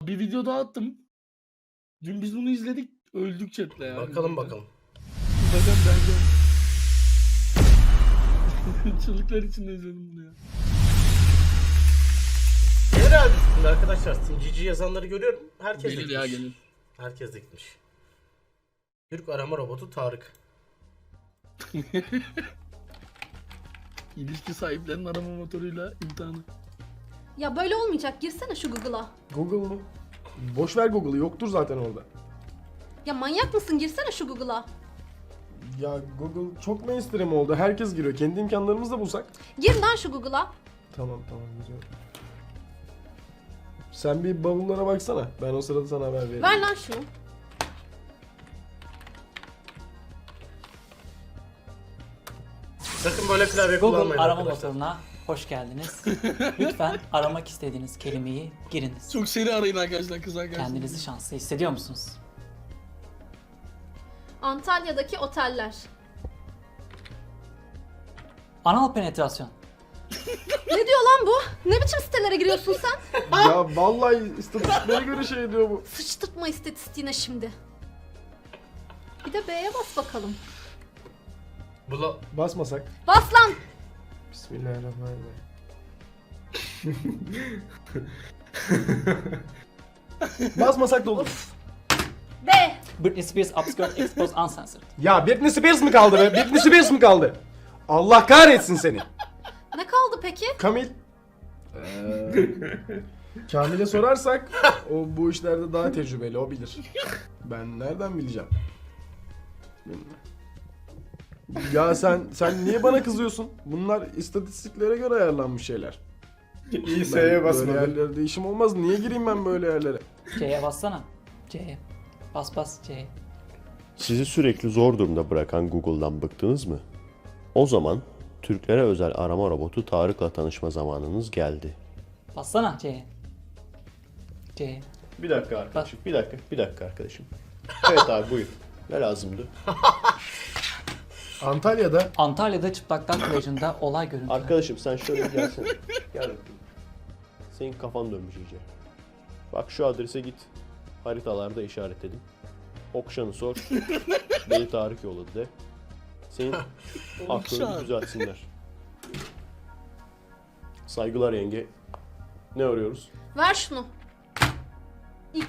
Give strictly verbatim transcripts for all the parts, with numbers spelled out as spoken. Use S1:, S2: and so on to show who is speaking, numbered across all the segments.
S1: Bir video daha attım. Dün biz bunu izledik. Öldük chatle ya.
S2: Bakalım bakalım.
S1: Bakalım ben çığlıklar içinde izledim bunu ya.
S2: Genel üstünde arkadaşlar. Cici yazanları görüyorum. Herkes de
S1: Gelir
S2: gitmiş.
S1: ya gelir.
S2: Herkes de gitmiş. Türk arama robotu Tarık.
S1: İlişki sahiplerinin arama motoruyla imtihanı.
S3: Ya böyle olmayacak. Girsene şu Google'a.
S4: Google mu? Boş ver Google'ı, yoktur zaten orada.
S3: Ya manyak mısın? Girsene şu Google'a.
S4: Ya Google çok mainstream oldu. Herkes giriyor. Kendi imkanlarımızla bulsak.
S3: Gir lan şu Google'a.
S4: Tamam tamam güzel. Sen bir bavullara baksana. Ben o sırada sana haber veririm.
S3: Ver lan şunu.
S2: Sakın böyle klavye
S5: Google
S2: kullanmayın
S5: arama
S2: arkadaşlar.
S5: motoruna hoş geldiniz. Lütfen aramak istediğiniz kelimeyi giriniz.
S1: Çok seri arayın arkadaşlar, kız arkadaşlar.
S5: Kendinizi şanslı hissediyor musunuz?
S3: Antalya'daki oteller.
S5: Anal penetrasyon.
S3: Ne diyor lan bu? Ne biçim sitelere giriyorsun sen?
S4: Ya vallahi istatistiklere göre şey diyor bu.
S3: Sıçtırtma istatistiğine şimdi. Bir de B'ye bas bakalım.
S2: Bula...
S4: Basmasak.
S3: Bas lan!
S4: Bismillahirrahmanirrahim. Basmasak da olur.
S3: B.
S5: Britney Spears upskirt exposed uncensored.
S4: Ya Britney Spears mı kaldı be? Britney Spears mı kaldı? Allah kahretsin seni.
S3: Ne kaldı peki?
S4: Kamil. Ee, Kamil'e sorarsak o bu işlerde daha tecrübeli, o bilir. Ben nereden bileceğim? Bilmiyorum. Ya sen sen niye bana kızıyorsun? Bunlar istatistiklere göre ayarlanmış şeyler.
S6: İyi
S4: Ben
S6: S'ye
S4: böyle
S6: basmadım.
S4: yerlerde işim olmaz. Niye gireyim ben böyle yerlere?
S5: C'ye bassana. C'ye. Bas bas C'ye.
S7: Sizi sürekli zor durumda bırakan Google'dan bıktınız mı? O zaman Türklere özel arama robotu Tarık'la tanışma zamanınız geldi.
S5: Bassana C'ye. C'ye.
S7: Bir dakika arkadaşım, bir dakika, bir dakika arkadaşım. Evet abi buyur. Ne lazımdı?
S4: Antalya'da
S5: Antalya'da çıplaklar plajında olay görüntüleri.
S7: Arkadaşım sen şöyle bir gelsene. Gel bakayım. Senin kafan dönmüş iyice. Bak şu adrese git. Haritalarda işaretledim. Okşan'ı sor. Beni Tarık yolladı de. Senin aklını düzeltsinler. Saygılar yenge. Ne arıyoruz?
S3: Ver şunu. X.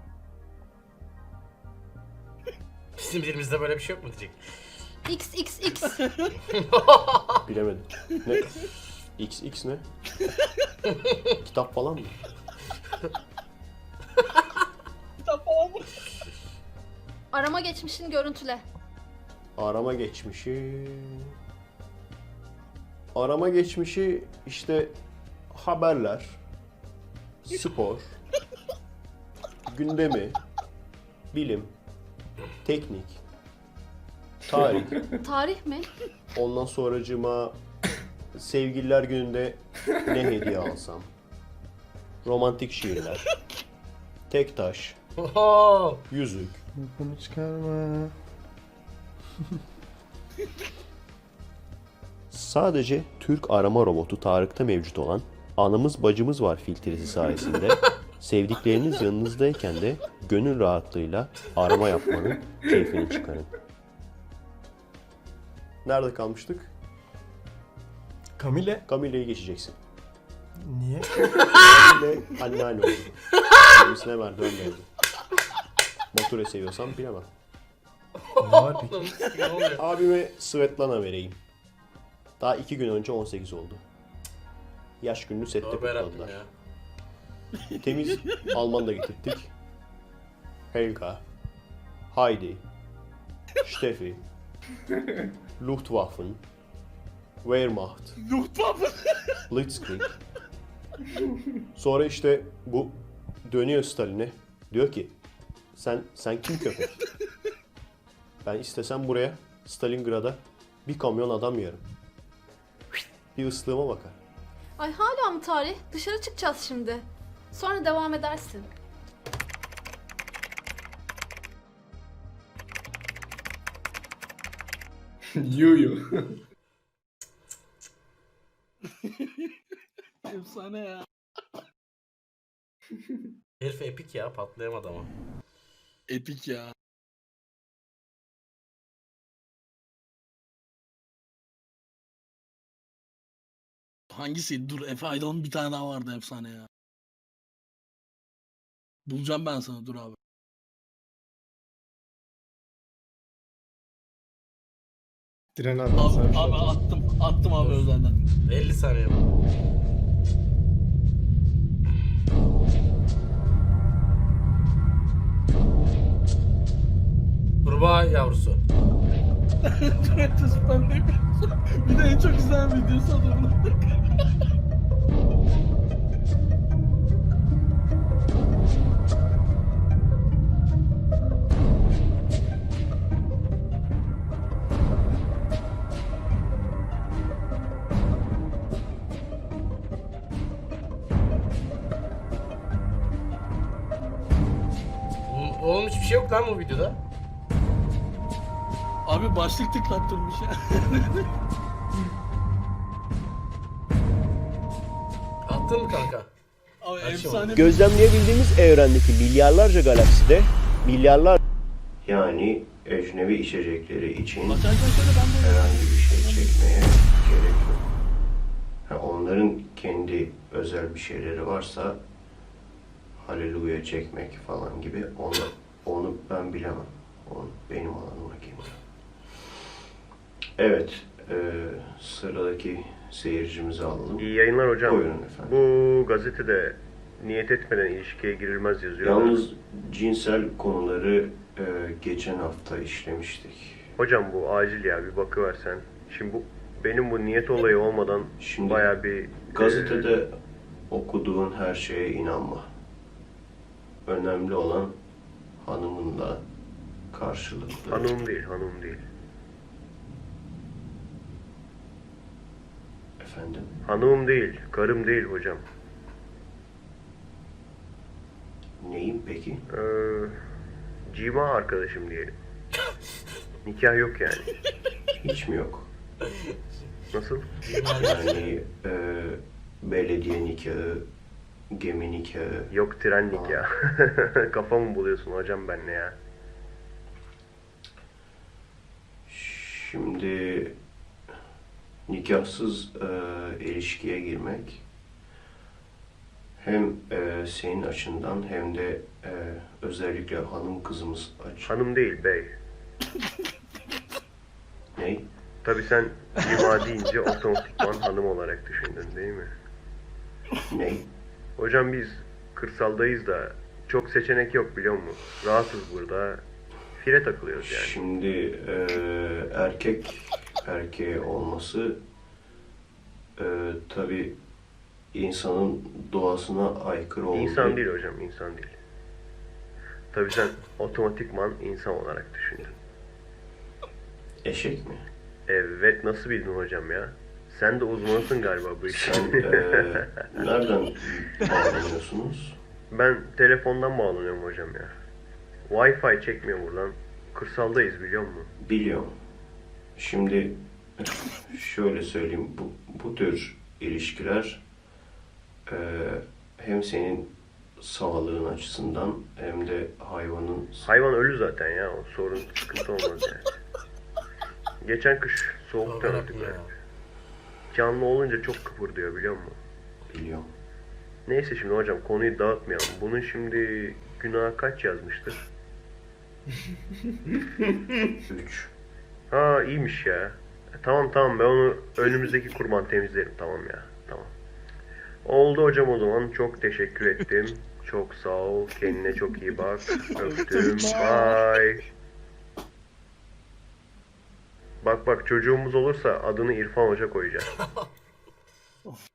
S2: Bizim dilimizde böyle bir şey yok mu diyecek.
S3: X X X.
S7: Bilemedim. Ne? X X ne? Kitap falan mı?
S3: Arama geçmişini görüntüle.
S7: Arama geçmişi... Arama geçmişi işte haberler, spor, gündemi, bilim, teknik, tarih.
S3: Tarih mi?
S7: Ondan sonracığıma sevgililer gününde ne hediye alsam, romantik şiirler, tek taş,
S2: Oho!
S7: yüzük.
S4: bunu çıkarma.
S7: Sadece Türk arama robotu Tarık'ta mevcut olan anamız bacımız var filtresi sayesinde sevdikleriniz yanınızdayken de gönül rahatlığıyla arama yapmanın keyfini çıkarın. Nerede kalmıştık?
S4: Kamil'e
S7: Camile'yi geçeceksin.
S4: niye?
S7: Camile anneanne oldu. Kendisine merdiven geldi. Motoru seviyorsam bilemem.
S4: Ne var peki?
S2: Ne oluyor?
S7: Abime Svetlana vereyim. Daha iki gün önce on sekiz oldu. Yaş gününü sette
S2: Tövbe yarabbim
S7: kutladılar.
S2: ya.
S7: Temiz Alman da getirttik. Helga, Heidi, Steffi, Luftwaffen, Wehrmacht,
S1: Luftwaffe.
S7: Blitzkrieg. Sonra işte bu dönüyor Stalin'e. Diyor ki sen sen kim köpek? Ben istesem buraya Stalingrad'a bir kamyon adam yerim. Bir ıslığıma bakar.
S3: Ay hala mı tarih? Dışarı çıkacağız şimdi. Sonra devam edersin.
S6: Yuyu.
S1: Efsane ya.
S2: Herif epik ya, patlayamadı ama.
S1: Epik ya. Hangisiydi? Dur, Efe Aydoğan'ın bir tane daha vardı efsane ya. Bulacağım ben sana, dur abi.
S6: Diren
S1: Abi,
S6: abi. sen bir şey
S1: abi
S6: atarsın.
S1: attım. Attım abi özelden.
S2: elli saniye var. Kurbağa yavrusu.
S1: Tuvalet ben de. Bir de en çok izlenen videosu adamın.
S2: Oğlum- Oğlum hiçbir şey yok lan bu videoda.
S1: Abi başlık tıklattırmış ya.
S2: Attın mı kanka?
S1: Abi
S2: Her şey
S1: efsane bir
S7: Gözlemleyebildiğimiz evrendeki milyarlarca galakside milyarlar yani ecnebi içecekleri için
S1: Bak, şöyle ben de
S7: herhangi bir şey çekmeye gerek yok. Ha, onların kendi özel bir şeyleri varsa haleluya çekmek falan gibi onu, onu ben bilemem. Onu benim alanıma girmiyor. Evet, e, sıradaki seyircimizi alalım.
S8: İyi yayınlar hocam.
S7: Buyurun efendim.
S8: Bu gazetede niyet etmeden ilişkiye girilmez yazıyor.
S7: Yalnız cinsel konuları e, geçen hafta işlemiştik.
S8: Hocam bu acil ya, bir bakıversen. Şimdi bu benim bu niyet olayı olmadan
S7: Şimdi
S8: bayağı bir
S7: gazetede
S8: e,
S7: okuduğun her şeye inanma. Önemli olan hanımınla karşılıklı.
S8: hanım değil, hanım değil.
S7: Efendim?
S8: Hanımım değil, karım değil hocam.
S7: Neyim peki?
S8: Ee, cima arkadaşım diyelim. Nikah yok yani.
S7: Hiç mi yok?
S8: Nasıl?
S7: Yani e, belediye nikahı, gemi nikahı.
S8: Yok, tren nikahı. Kafamı buluyorsun hocam benle ya.
S7: Şimdi nikahsız e, ilişkiye girmek hem e, senin açından hem de e, özellikle hanım kızımız aç.
S8: Hanım değil bey.
S7: Ne?
S8: Tabii sen cima deyince otomatikman hanım olarak düşündün değil mi?
S7: Ne?
S8: Hocam biz kırsaldayız da çok seçenek yok biliyor musun? Rahatız burada. Fire takılıyoruz yani.
S7: Şimdi e, erkek erkeğe olması e, tabii insanın doğasına aykırı olduğu.
S8: İnsan değil hocam, insan değil. Tabii sen otomatikman insan olarak düşündün.
S7: Eşek mi?
S8: Evet, nasıl bildin hocam ya? Sen de uzmanısın galiba bu
S7: Sen
S8: işin.
S7: e, nereden bağlanıyorsunuz?
S8: Ben telefondan bağlanıyorum hocam ya. Wi-Fi çekmiyor buradan. Kırsaldayız biliyor musun?
S7: Biliyorum. Şimdi şöyle söyleyeyim, bu, bu tür ilişkiler e, hem senin sağlığın açısından hem de hayvanın...
S8: Hayvan ölü zaten ya. O sorun, sıkıntı olmaz yani. Geçen kış soğuktan
S2: Tövbe
S8: öldük
S2: ya.
S8: ya. Canlı olunca çok kıpırdıyor biliyor musun?
S7: Biliyorum.
S8: Neyse şimdi hocam konuyu dağıtmayalım. Bunun şimdi günahı kaç yazmıştır?
S7: Üç.
S8: Ha iyiymiş ya. E, tamam tamam, ben onu önümüzdeki kurban temizlerim, tamam ya. Tamam. Oldu hocam o zaman. Çok teşekkür ettim. Çok sağ ol. Kendine çok iyi bak. Öptüm. Bye. Bak bak, çocuğumuz olursa adını İrfan Hoca koyacağız.